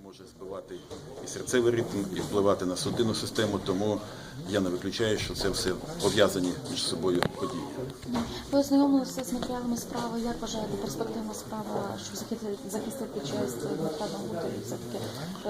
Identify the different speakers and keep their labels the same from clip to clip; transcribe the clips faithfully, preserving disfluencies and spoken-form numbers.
Speaker 1: може збивати і серцевий ритм, і впливати на судинну систему, тому я не виключаю, що це все пов'язані між собою події.
Speaker 2: Ви ознайомилися з матеріалами справи. Як вважаєте, перспективна справа, щоб захистити, захистити честь Дмитра Нагута і все-таки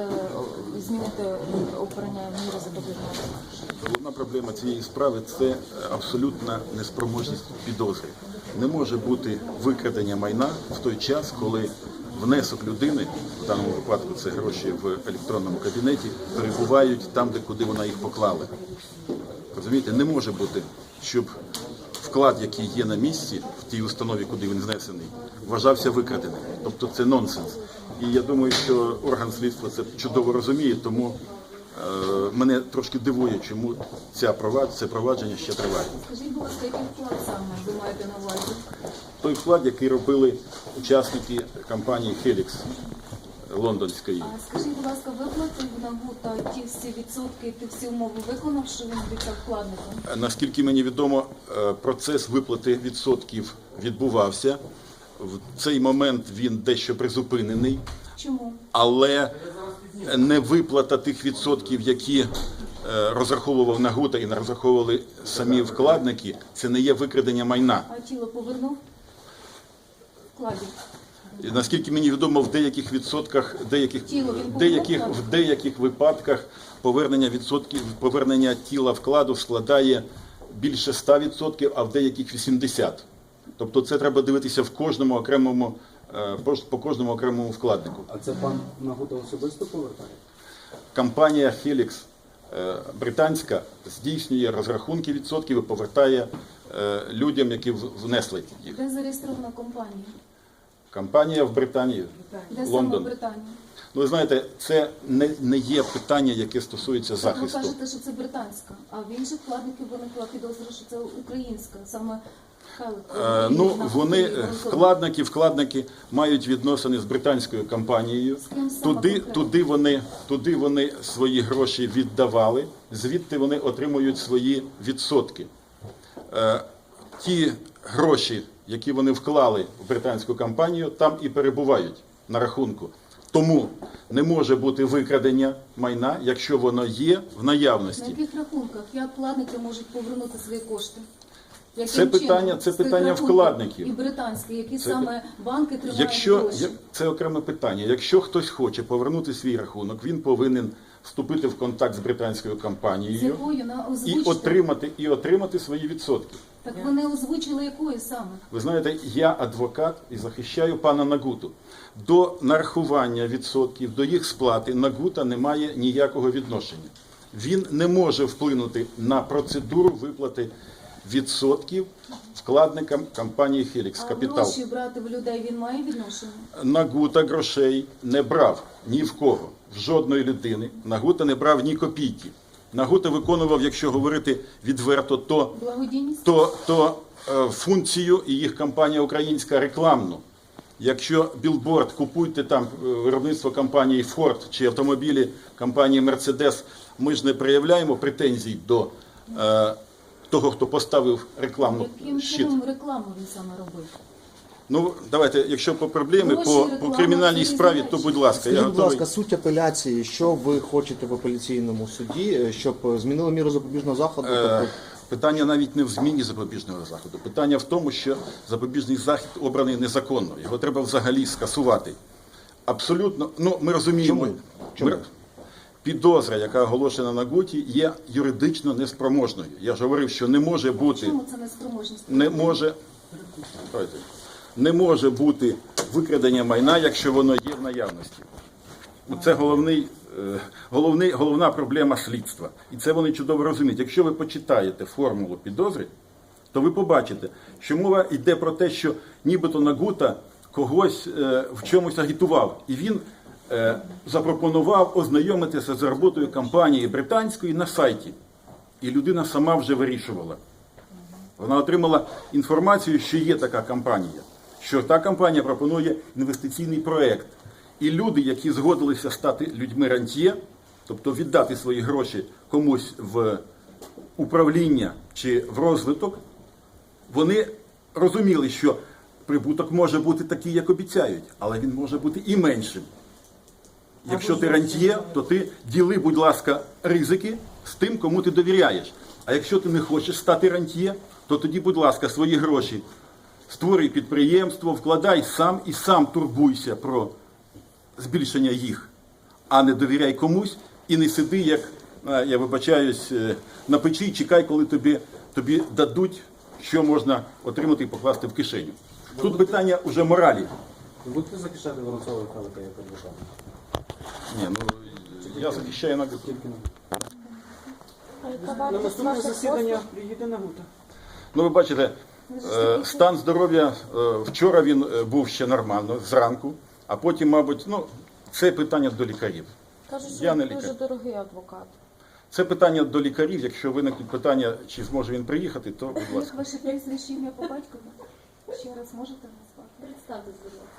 Speaker 2: е, змінити обрання міри запобіжного заходу?
Speaker 1: Головна проблема цієї справи – це абсолютна неспроможність підозри. Не може бути викрадення майна в той час, коли внесок людини, в даному випадку це гроші в електронному кабінеті, перебувають там, де куди вона їх поклала. Розумієте, не може бути, щоб вклад, який є на місці, в тій установі, куди він знесений, вважався викраденим. Тобто це нонсенс. І я думаю, що орган слідства це чудово розуміє, тому е, мене трошки дивує, чому ця провад, це провадження ще триває.
Speaker 2: Скажіть, будь ласка, який вклад саме ви маєте на увазі?
Speaker 1: Той вклад, який робили учасники компанії «Хелікс» лондонської.
Speaker 3: А скажіть, будь ласка, виплатив Нагута ті всі відсотки, ті всі умови виконав, що він обіцяв вкладникам?
Speaker 1: Наскільки мені відомо, процес виплати відсотків відбувався. В цей момент він дещо призупинений.
Speaker 3: Чому?
Speaker 1: Але не виплата тих відсотків, які розраховував Нагута і не розраховували самі вкладники, це не є викрадення майна.
Speaker 3: А тіло повернув? Вкладів?
Speaker 1: І, наскільки мені відомо, в деяких відсотках, деяких,
Speaker 3: Тіло він
Speaker 1: деяких,
Speaker 3: повернув?
Speaker 1: в деяких випадках повернення відсотків, повернення тіла вкладу складає більше ста відсотків, а в деяких вісімдесят відсотків. Тобто це треба дивитися в кожному окремому, по, по кожному окремому вкладнику.
Speaker 4: А це пан Нагута особисто повертає?
Speaker 1: Компанія «Хелікс» британська здійснює розрахунки відсотків і повертає людям, які внесли їх.
Speaker 3: Де зареєстрована компанія?
Speaker 1: Компанія в Британії,
Speaker 3: Де саме в
Speaker 1: Лондон.
Speaker 3: Британії?
Speaker 1: Ну, ви знаєте, це не, не є питання, яке стосується
Speaker 3: Ви
Speaker 1: захисту.
Speaker 3: кажете, що це британська, а в інших вкладників виникла підозра, що це українська, саме Хелик.
Speaker 1: Е, ну, вони, вкладники, вкладники мають відносини з британською компанією.
Speaker 3: З ким саме
Speaker 1: Туди,
Speaker 3: конкретно?
Speaker 1: туди, вони, туди вони свої гроші віддавали, звідти вони отримують свої відсотки. Е, ті гроші, які вони вклали в британську компанію, там і перебувають на рахунку. Тому не може бути викрадення майна, якщо воно є в
Speaker 3: На
Speaker 1: наявності.
Speaker 3: яких рахунках? Як вкладники можуть повернути свої кошти? Яким
Speaker 1: Це питання-
Speaker 3: чином?
Speaker 1: це
Speaker 3: З тих
Speaker 1: питання
Speaker 3: рахунків
Speaker 1: вкладників.
Speaker 3: І британські, які
Speaker 1: Це
Speaker 3: саме банки тримають
Speaker 1: Якщо
Speaker 3: гроші?
Speaker 1: як- це окреме питання, якщо хтось хоче повернути свій рахунок, він повинен вступити в контакт з британською
Speaker 3: З
Speaker 1: компанією
Speaker 3: якою? На
Speaker 1: і
Speaker 3: озвучте.
Speaker 1: отримати і отримати свої відсотки.
Speaker 3: Так вони озвучили якою саме?
Speaker 1: Ви знаєте, я адвокат і захищаю пана Нагуту. До нарахування відсотків, до їх сплати Нагута не має ніякого відношення. Він не може вплинути на процедуру виплати відсотків вкладникам компанії «Хелікс
Speaker 3: А
Speaker 1: Капітал».
Speaker 3: гроші брати в людей він має відношення?
Speaker 1: Нагута грошей не брав ні в кого, в жодної людини. Нагута не брав ні копійки. Нагута виконував, якщо говорити відверто, то,
Speaker 3: Благодійність?
Speaker 1: то, то е, функцію і їх компанія українська рекламну. Якщо білборд, купуйте там е, виробництво компанії Ford чи автомобілі компанії Mercedes, ми ж не проявляємо претензій до е, того, хто поставив рекламну
Speaker 3: Яким
Speaker 1: щит.
Speaker 3: чином рекламу він саме робив?
Speaker 1: Ну, давайте, якщо по проблемі,
Speaker 3: Гроші,
Speaker 1: по,
Speaker 3: реклама,
Speaker 1: по кримінальній
Speaker 3: це
Speaker 1: справі,
Speaker 3: різні
Speaker 1: то
Speaker 3: речі.
Speaker 1: будь ласка, я
Speaker 5: Скажіть, будь
Speaker 1: готовий.
Speaker 5: ласка, суть апеляції, що ви хочете в апеляційному суді, щоб змінили міру запобіжного заходу?
Speaker 1: Е,
Speaker 5: Тобто,
Speaker 1: Питання навіть не в зміні запобіжного заходу. Питання в тому, що запобіжний захід обраний незаконно. Його треба взагалі скасувати. Абсолютно, ну ми розуміємо,
Speaker 5: Чому? Чому?
Speaker 1: ми- підозра, яка оголошена на Гуті, є юридично неспроможною. Я ж говорив, що не може бути,
Speaker 3: Чому це неспроможність?
Speaker 1: не може, давайте, не може бути викрадення майна, якщо воно є в наявності. Це головний, е, головний, головна проблема слідства. І це вони чудово розуміють. Якщо ви почитаєте формулу підозри, то ви побачите, що мова йде про те, що нібито Нагута когось е, в чомусь агітував. І він е, запропонував ознайомитися з роботою компанії британської на сайті. І людина сама вже вирішувала. Вона отримала інформацію, що є така компанія, що та компанія пропонує інвестиційний проект. І люди, які згодилися стати людьми рантьє, тобто віддати свої гроші комусь в управління чи в розвиток, вони розуміли, що прибуток може бути такий, як обіцяють, але він може бути і меншим. Якщо ти рантьє, то ти діли, будь ласка, ризики з тим, кому ти довіряєш. А якщо ти не хочеш стати рантьє, то тоді, будь ласка, свої гроші створюй підприємство, вкладай сам і сам турбуйся про збільшення їх, а не довіряй комусь і не сиди, як, е, я вибачаюсь, е, на печі і чекай, коли тобі, тобі дадуть, що можна отримати і покласти в кишеню. Тут питання уже моралі.
Speaker 4: Ви будете захищати Воронцова Михайлика як адвоката?
Speaker 1: Ні, ну, я захищаю на
Speaker 4: Тільки на
Speaker 2: А яка
Speaker 4: на
Speaker 2: вартість
Speaker 4: наступне
Speaker 2: ваших
Speaker 4: засідання
Speaker 2: послуг?
Speaker 4: приїде Нагута.
Speaker 1: Ну, ви бачите, е, стан здоров'я е, вчора він е, був ще нормально, зранку, а потім, мабуть, ну, це питання до лікарів.
Speaker 2: Кажуть, що
Speaker 1: Я не
Speaker 2: він дуже
Speaker 1: лікар.
Speaker 2: дорогий адвокат.
Speaker 1: Це питання до лікарів. Якщо виникнуть питання, чи зможе він приїхати, то, будь
Speaker 3: Як
Speaker 1: ласка.
Speaker 3: ваше прізвище, ім'я по батькові? Ще раз можете назвати?
Speaker 2: Представтесь, будь ласка.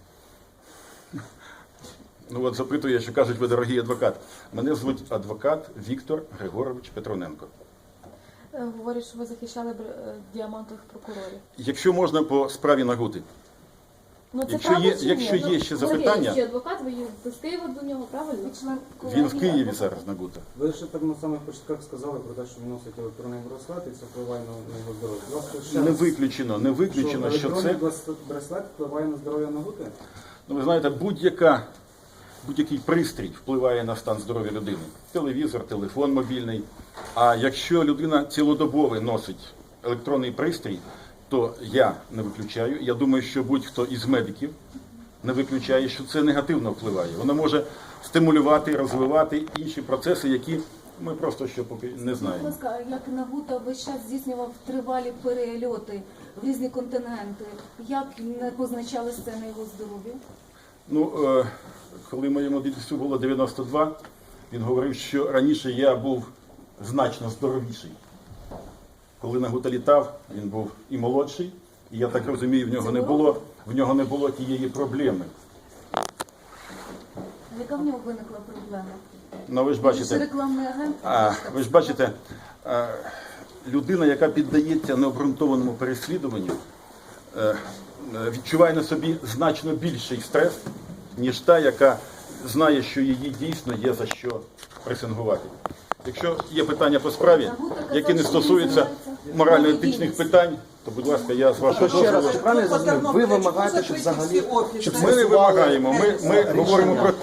Speaker 1: Ну от запитує, що кажуть, ви дорогий адвокат. Мене звуть адвокат Віктор Григорович Петроненко.
Speaker 2: Е, Говорять, що ви захищали бр- е, діамантових прокурорів.
Speaker 1: Якщо можна по справі Нагути.
Speaker 2: Ну, це
Speaker 1: Якщо
Speaker 2: правда
Speaker 1: є,
Speaker 2: чи ні?
Speaker 1: якщо
Speaker 2: Ну,
Speaker 1: є ще
Speaker 2: Сергій,
Speaker 1: запитання,
Speaker 2: чи адвокат, ви ви з Києва до нього, правильно?
Speaker 3: Ви член
Speaker 1: він в
Speaker 3: колегії
Speaker 1: Києві
Speaker 3: адвокатів?
Speaker 1: зараз Нагута.
Speaker 4: Ви ще так на самих початках сказали про те, що він носить електронний браслет і це впливає на, на його здоров'я. Будь ласка, ще
Speaker 1: Не
Speaker 4: раз.
Speaker 1: виключено, не виключено, що
Speaker 4: електронний
Speaker 1: це.
Speaker 4: брас- браслет впливає на здоров'я Нагути?
Speaker 1: Ну, ви знаєте, будь-яка, будь-який пристрій впливає на стан здоров'я людини. Телевізор, телефон мобільний. А якщо людина цілодобово носить електронний пристрій, то я не виключаю. Я думаю, що будь-хто із медиків не виключає, що це негативно впливає. Воно може стимулювати, розвивати інші процеси, які ми просто ще поки не
Speaker 3: Будь
Speaker 1: знаємо.
Speaker 3: ласка, а як Нагута весь час здійснював тривалі перельоти в різні континенти, як не позначалось це на його здоров'ю?
Speaker 1: Ну, е, коли моєму дідусю було дев'яносто два, він говорив, що раніше я був значно здоровіший. Коли Нагута літав, він був і молодший, і я так розумію, в нього не було, в нього не було тієї проблеми.
Speaker 3: Яка в нього виникла проблема?
Speaker 1: Ну, ви ж
Speaker 3: Він ж
Speaker 1: бачите,
Speaker 3: рекламний агент.
Speaker 1: а, ви ж бачите, а, людина, яка піддається необґрунтованому переслідуванню, е, е, відчуває на собі значно більший стрес, ніж та, яка знає, що її дійсно є за що пресингувати. Якщо є питання по справі, які не стосуються морально-етичних питань, то, будь ласка, я з вашого
Speaker 5: Ще раз,
Speaker 1: дозволу.
Speaker 5: чи правильно я зрозумів? Ви вимагаєте, щоб взагалі щоб
Speaker 1: Ми не
Speaker 5: скасували-
Speaker 1: вимагаємо, ми, ми говоримо про те,